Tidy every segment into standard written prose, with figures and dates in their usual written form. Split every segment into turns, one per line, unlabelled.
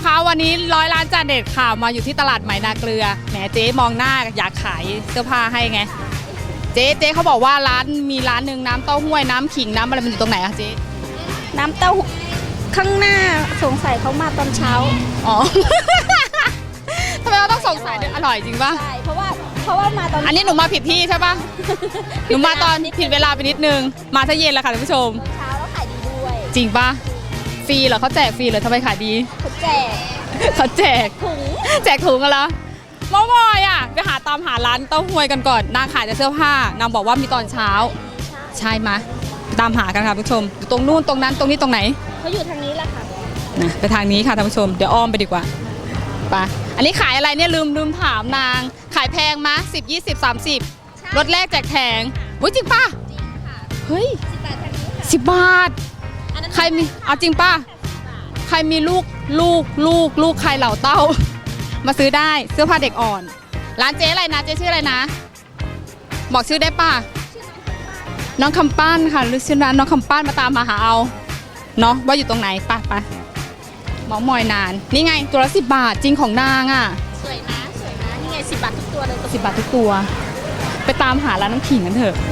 คะวันนี้ร้อยล้านจานเด็ดค่ะมาอยู่ที่ตลาดใหม่นาเกลือแหมเจ๊มองหน้าอยากขายเสื้อผ้าให้ไงเจ๊เขาบอกว่ามีร้านหนึ่งน้ำเต้าหู้น้ำขิงน้ำอะไรมันอยู่ตรงไหนอะเจ๊
น้ำเต้าหู้ข้างหน้าสงสัยเขามาตอนเช้า
อ๋อ ทำไมเราต้องสงสัยอร่อยจริงป่ะ
ใช่เพราะว่ามาตอน
อันนี้หนูมาผิดที่ใช่ป่ะ หนูมาตอนผิดเวลาไปนิดนึงมาถ้าเย็นแล้วค่ะท่านผู้ชม
เช้าแล้วขายดีด้วย
จริงป่ะฟรีเหรอเขาแจกฟรีเหรอทำไมขายดี
เขาแจกถุง
แจกถุงกันแล้วมอมอยอ่ะไปตามหาร้านเต้าหู้กันก่อนนางขายแต่เสื้อผ้านางบอกว่ามีตอนเช้าใช่ไหมตามหากันค่ะท่านผู้ชมตรงนู่นตรงนั้นตรงนี้ตรงไหน
เขาอยู่ทางนี้แหละค่ะ
นะไปทางนี้ค่ะท่านผู้ชมเดี๋ยวอ้อมไปดีกว่าไปอันนี้ขายอะไรเนี่ยลืมถามนางขายแพงมะ10 20 30รถแรกแจกแถงวุ้ยจริงป่ะ
จริงค่ะ
เฮ้ย10 บาทใครมีเอาจริงป่ะใครมีลูกใครเหล่าเต้ามาซื้อได้เสื้อผ้าเด็กอ่อนร้านเจ๊อะไรนะเจ๊ชื่ออะไรนะบอกชื่อได้ป่ะน้องคำปั้นค่ะหรือชื่อร้านน้องคำปั้นมาตามมาหาเอาเนาะว่าอยู่ตรงไหนป่ะเมามอยนานนี่ไงตัวละ10 บาทจริงของนางอ่ะ
สวยนะนี่ไง10 บาททุกตัวเลย
10 บาททุกตัวไปตามหาร้านน้ำขิงกันเถอะ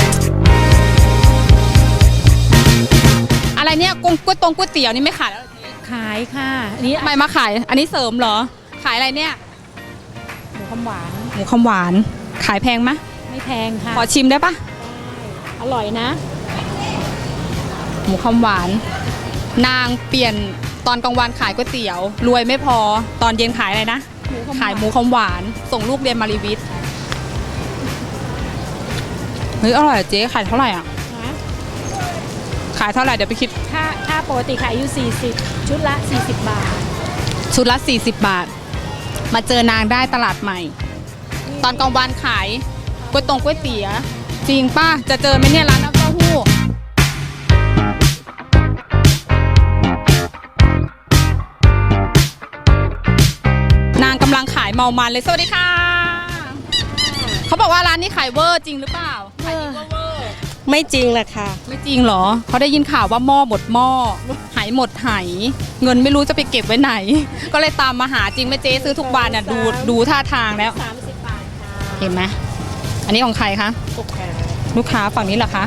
อะไรเนี่ยก๋วยเตี๋ยวนี่ไม่ขายแล้ว
ขายค่ะอันนี้
ทำไมมาขายอันนี้เสริมเหรอขายอะไรเนี่ย
หมูคำหว
านขายแพงไหม
ไม่แพงค่ะ
ขอชิมได้ปะ
อร่อยนะ
หมูคำหวานนางเปลี่ยนตอนกลางวันขายก๋วยเตี๋ยวรวยไม่พอตอนเย็นขายอะไรนะขายหมูคำหวานส่งลูกเรียนมารีวิทย์เฮ้ยอร่อยเจ๊ขายเท่าไหร่อ่ะขายเท่าไหร่เดี๋ยวไปคิด
ค่าปกติขายอยู่40ชุดละ40 บาท
ชุดละ40 บาทมาเจอนางได้ตลาดใหม่ตอนกลางวันขายก๋วยเตี๋ยวจริงป่ะจะเจอไหมเนี่ยร้านน้ำเต้าหู้นางกำลังขายเมามันเลยสวัสดีค่ะเขาบอกว่าร้านนี้ขายเวอร์จริงหรือเปล่าขายเวอร์
ไม่จริงแหละค่ะ
ไม่จริงเหรอเขาได้ยินข่าวว่าหม้อหมดหม้อหายหมดหายเงินไม่รู้จะไปเก็บไว้ไหนก็เลยตามมาหาจริงไหมเจ๊ซื้อทุกวันน่ะดูท่าทางแล้ว
30 บาทค่ะ
เห็นไหมอันนี้ของใครคะลูกค้าฝั่งนี้เหรอคะ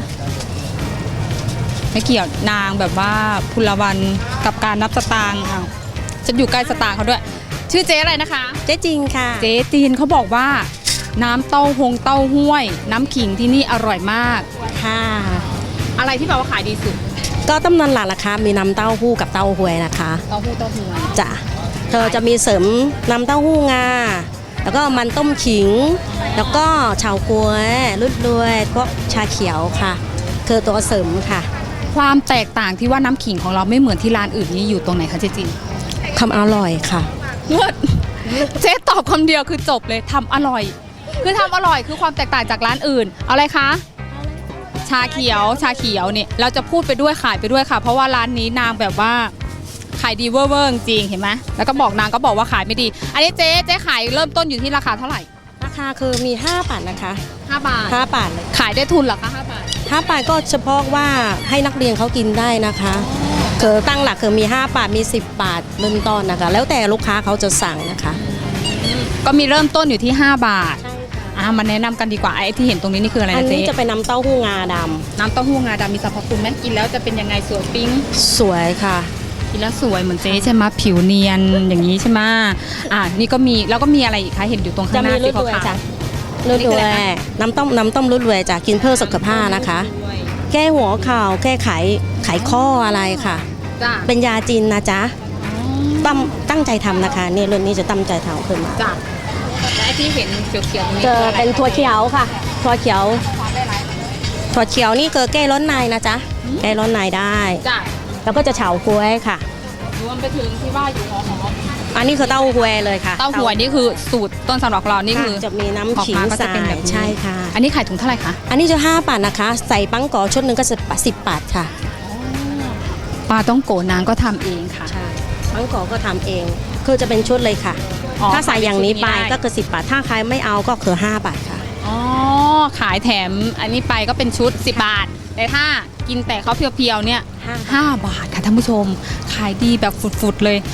ไม่เกี่ยวนางแบบว่าพลวันกับการนับสตางค์เอาฉันอยู่ใกล้สตางค์เขาด้วยชื่อเจ๊อะไรนะคะ
เจ๊จีนค่ะ
เจ๊จีนเขาบอกว่าน้ำเต้าห้วยน้ำขิงที่นี่อร่อยมาก
ค่ะ
อะไรที่แบบว่าขายดีสุด
ก็ตำนานหลักนะคะมีน้ำเต้าหู้กับเต้าหวยนะคะ
เต้าหู้
จ้ะเธอจะมีเสริมน้ำเต้าหู้งาแล้วก็มันต้มขิงแล้วก็เฉาก๊วยรุ่นด้วยพวกชาเขียวค่ะคือตัวเสริมค่ะ
ความแตกต่างที่ว่าน้ำขิงของเราไม่เหมือนที่ร้านอื่นนี้อยู่ตรงไหนคะเจ๊จีน
ความอร่อยค่ะ
เจ๊ตอบคำเดียวคือจบเลยทำอร่อยคือทำอร่อยคือความแตกต่างจากร้านอื่นเอาอะไรคะชาเขียวเนี่ยเราจะพูดไปด้วยขายไปด้วยค่ะเพราะว่าร้านนี้นางแบบว่าขายดีเวอร์จริงเห็นไหมแล้วก็บอกนางก็บอกว่าขายไม่ดีอันนี้เจ๊ขายเริ่มต้นอยู่ที่ราคาเท่าไหร่
ราคาคือมี5 บาทนะคะ
5 บาท
เลย
ขายได้ทุนเหรอคะ5 บาท
5 บาทก็เฉพาะว่าให้นักเรียนเขากินได้นะคะคือตั้งหลักคือมี5 บาทมี10 บาทเริ่มต้นนะคะแล้วแต่ลูกค้าเขาจะสั่งนะคะ
ก็มีเริ่มต้นอยู่ที่5 บาทมาแนะนำกันดีกว่าไอ้ที่เห็นตรงนี้นี่คืออะไรนะเจ๊
อันนี้จะเป็นน้ำเต้าหู้งาดำ
น้ำเต้าหู้งาดำมีสรรพคุณไหมกินแล้วจะเป็นยังไงสวยปิ๊ง
สวยค่ะ
กินแล้วสวยเหมือนเจ๊ใช่ไหมผิวเนียนอย่างนี้ใช่ไหมนี่ก็มีแล้วก็มีอะไรอีกคะเห็นอยู่ตรงข้างหน้าที่เขาขาย
รุ่นด้วยน้ำต้มรุ่นด้วยจะกินเพื่อสุขภาพนะคะแก้หัวเข่าแก้ไขข้ออะไรค่ะเป็นยาจีนนะจ๊ะตั้งใจทำนะคะนี่รุ่นนี้จะตั้งใจทำขึ้นมา
และที่เห็นเขียวๆนี้
จะเป็นถั่วเขียวค่ะถั่วเขียวนี่คือแก้ร้อนในนะจ๊ะแก้ร้อนในได้แล้วก็จะเฉาก๊วยค่ะ
รวมไปถึงที่ว่าอยู่หอม
อันนี้คือเต้าหวยเลยค่ะ
เต้าหวยนี่คือสูตรต้นสำรับเรานี่คือ
จะมีน้ำขิงใส่ใช่ค่ะ
อันนี้ขายถุงเท่าไหร่คะ
อันนี้จะ5 บาทนะคะใส่ปังกอชุดหนึ่งก็10 บาทค่ะ
ปลาต้องโกนางก็ทำเองค่ะ
ใช่ปังกอก็ทำเองคือจะเป็นชุดเลยค่ะถ้าใส่อย่างนี้ไปก็คือ10 บาทถ้าใครไม่เอาก็คือ5 บาทค่ะ
อ๋อขายแถมอันนี้ไปก็เป็นชุด10 บาทแต่ถ้ากินแต่เขาเพียวๆเนี่ย5 บาทค่ะท่านผู้ชมขายดีแบบฝุดๆเลย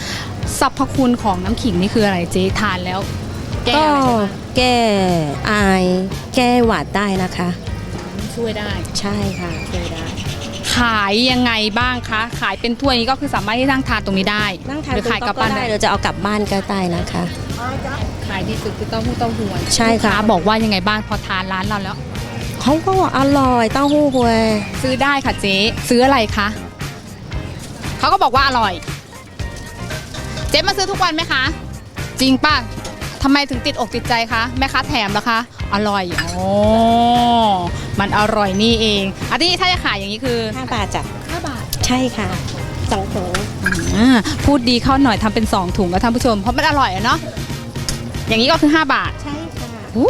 สรรพคุณของน้ำขิงนี่คืออะไรเจ๊ทานแล้ว แก้
ก็
อะไรได้บ้าง
แก้ไอแก้หวัดได้นะคะ
ช่วยได้
ใช่ค่ะช่วยได้
ขายยังไงบ้างคะ ขายเป็นถ้วยนี้ก็คือสามารถที่นั่งทานตรงนี้ได้
นั่งทาน
หรือขายกลับบ้านได้
เราจะเอากลับบ้านก็ได้นะคะ
ขายดีสุดคือเต้าหู้เต้าหวย
ใช่ค่ะ
ลูกาบอกว่ายังไงบ้างพอทานร้านเราแล้ว
เขาก็อร่อยเต้าหู้หวย
ซื้อได้ค่ะเจ๊ซื้ออะไรคะเขาก็บอกว่าอร่อย เจ๊มาซื้อทุกวันไหมคะ จริงป่ะทำไมถึงติดอกติดใจคะแม่ค้าแถมเหรอคะอร่อยอ๋อมันอร่อยนี่เองอันนี้ถ้าจะขายอย่างนี้คือ
5 บาทจ้ะ
5 บาท
ใช่ค่ะ2 ถุง
พูดดีเข้าหน่อยทำเป็น2 ถุงก็ท่านผู้ชมเพราะมันอร่อยอะเนาะอย่างนี้ก็คือ5 บาท
ใช่ค่ะ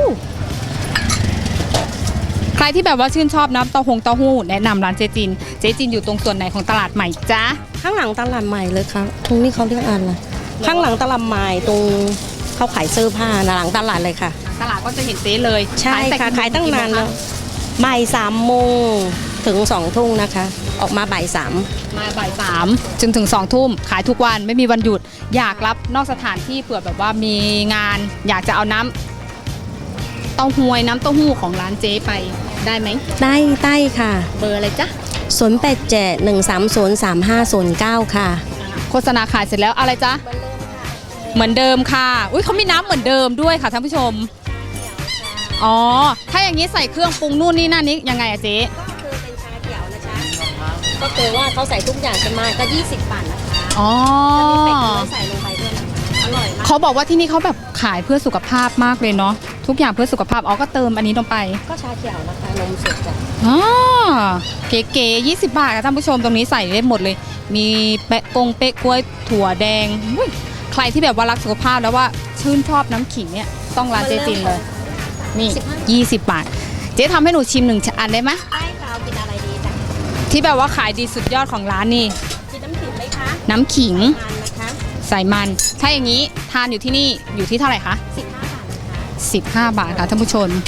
ใครที่แบบว่าชื่นชอบน้ำเต้าหู้แนะนำร้านเจจินอยู่ตรงส่วนไหนของตลาดใหม่จ๊ะ
ข้างหลังตลาดใหม่เลยครับตรงนี้เขาเรียกอะไรข้างหลังตลาดใหม่ตรงเขาขายเสื้อผ้านะหลังตลาดเลยค่ะ
ตลาดก็จะเห็นเจ๊เลย
ใช่ค่ะขายตั้งนานแล้วบ่าย3 โมงถึง2 ทุ่มนะคะ ออกมาบ่าย 3
มาบ่าย3ถึง2 ทุ่มขายทุกวันไม่มีวันหยุดอยากรับนอกสถานที่เผื่อแบบว่ามีงาน อยากจะเอาน้ำเต้าหวยน้ำเต้าหู้ของร้านเจ๊ไปได้ไหม
ได้ค่ะ
เบอร์อะไรจ๊ะ
0871303509 ค่ะ
โฆษณาขายเสร็จแล้วอะไรจ๊ะเหมือนเดิมค่ะอุ้ยเขามีน้ำเหมือนเดิมด้วยค่ะท่านผู้ชมอ๋อถ้าอย่างนี้ใส่เครื่องปรุงนู่นนี่นั่นนี้ยังไงอะเจ๊
ก็คือเป็นชาเขียวนะจ๊ะก็คือว่าเขาใส่ทุกอย่างจะมาก็20 บาทนะคะ
อ๋อ
แล้วมีเป็ดด้วยใส่ลงไปด้วยนะคะอร่อยมาก
เขาบอกว่าที่นี่เขาแบบขายเพื่อสุขภาพมากเลยเนาะทุกอย่างเพื่อสุขภาพอ๋อก็เติมอันนี้ลงไป
ก็ชาเขียวนะคะนมสดจ้ะ
อ๋อเก๋ๆ20 บาทค่ะท่านผู้ชมตรงนี้ใส่ได้หมดเลย มีเป๊ะกงเป๊ะกล้วยถั่วแดงอุ๊ยใครที่แบบว่ารักสุขภาพแล้วว่าชื่นชอบน้ำขิงเนี่ยต้องร้านเจ๊จินเลยนี่20 บาท เจ๊ทำให้หนูชิม1 อันได้ไหม
ได้ค่ะเอากินอะไรดีจ้ะ
ที่แบบว่าขายดีสุดยอดของร้านนี่
กินน้ำขิงไหมคะ
น้ำขิง
ทานนะคะ
ใส่มันถ้าอย่างนี้ทานอยู่ที่นี่อยู่ที่เท่าไหร่คะ
15 บาทนะคะ
15 บาทค่ะท่านผู้ชม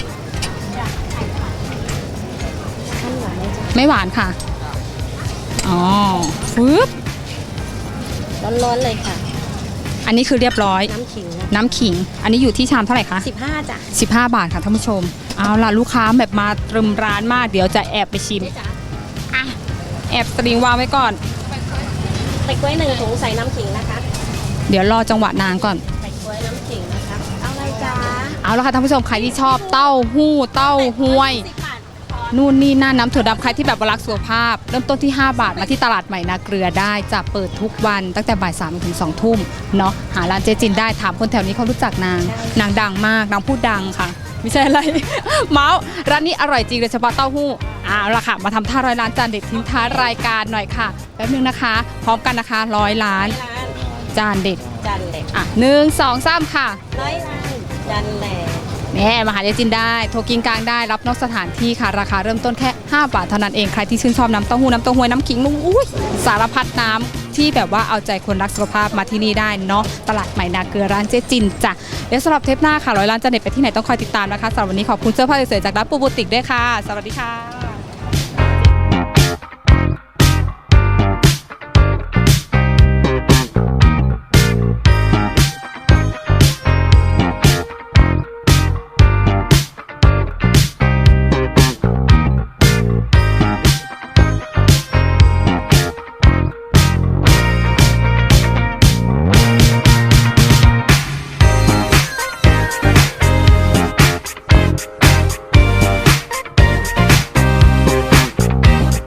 ท่านหวานไหมจ๊ะ
ไม่หวานค่ะอ๋อปึ๊บ
ร้อนๆเลยค่ะ
อันนี้คือเรียบร้อย
น้ำขิง
น้ำขิง อันนี้อยู่ที่ชามเท่าไหร่คะ
15จ้ะ
15 บาทค่ะท่านผู้ชม เอาล่ะลูกค้าแบบมาตรึมร้านมาก เดี๋ยวจะแอบไปชิม
นี่จ้ะ
อ่ะ แอบสตริงวางไว้ก่อน
ไปกล้วย1 ถุงใส่น้ำขิงนะคะ
เดี๋ยวรอจังหวะนางก่อน
ไปกล้วยน้ำขิงนะคะเอาอะไรจ๊ะ
เอาละค่ะท่านผู้ชมใครที่ชอบเต้าหู้เต้าห้วย
10 บาท
นู่นนี่นั่นน้ำถั่วดำใครที่แบบว่ารักสุขภาพ เริ่มต้นที่ 5 บาทมาที่ตลาดใหม่นาเกลือได้จะเปิดทุกวันตั้งแต่บ่าย3ถึง2 ทุ่มเนาะหาร้านเจจินได้ถามคนแถวนี้เขารู้จักนางดังมากนางพูดดังค่ะไม่ใช่อะไร เมาส์ร้านนี้อร่อยจริงโดยเฉพาะเต้าหู้เอาละค่ะมาทำท่าร้อยล้านจานเด็ดทิ้งท้ายรายการหน่อยค่ะแป๊บนึงนะคะ พร้อมกันนะคะ100 ล้าน
ร้าน
จานเด็ด
จันเหล็ก
อ่ะ1 2 3ค่ะ
100 ล้านจันเหล็ก
แน่มาหาเจจินได้โทรกินกลางได้รับนอกสถานที่ค่ะราคาเริ่มต้นแค่5 บาทเท่านั้นเองใครที่ชื่นชอบน้ำเต้าหู้น้ำเต้าหวยน้ำขิงลุงอุ้ยสารพัดน้ำที่แบบว่าเอาใจคนรักสุขภาพมาที่นี่ได้เนาะตลาดใหม่นาเกลือร้านเจจินจ้ะเดี๋ยวสำหรับเทปหน้าค่ะ100 ล้านจะเด็ดไปที่ไหนต้องคอยติดตามนะคะสำหรับวันนี้ขอบคุณเสื้อผ้าสวยๆจากร้านปูบูติกด้วยค่ะสวัสดีค่ะ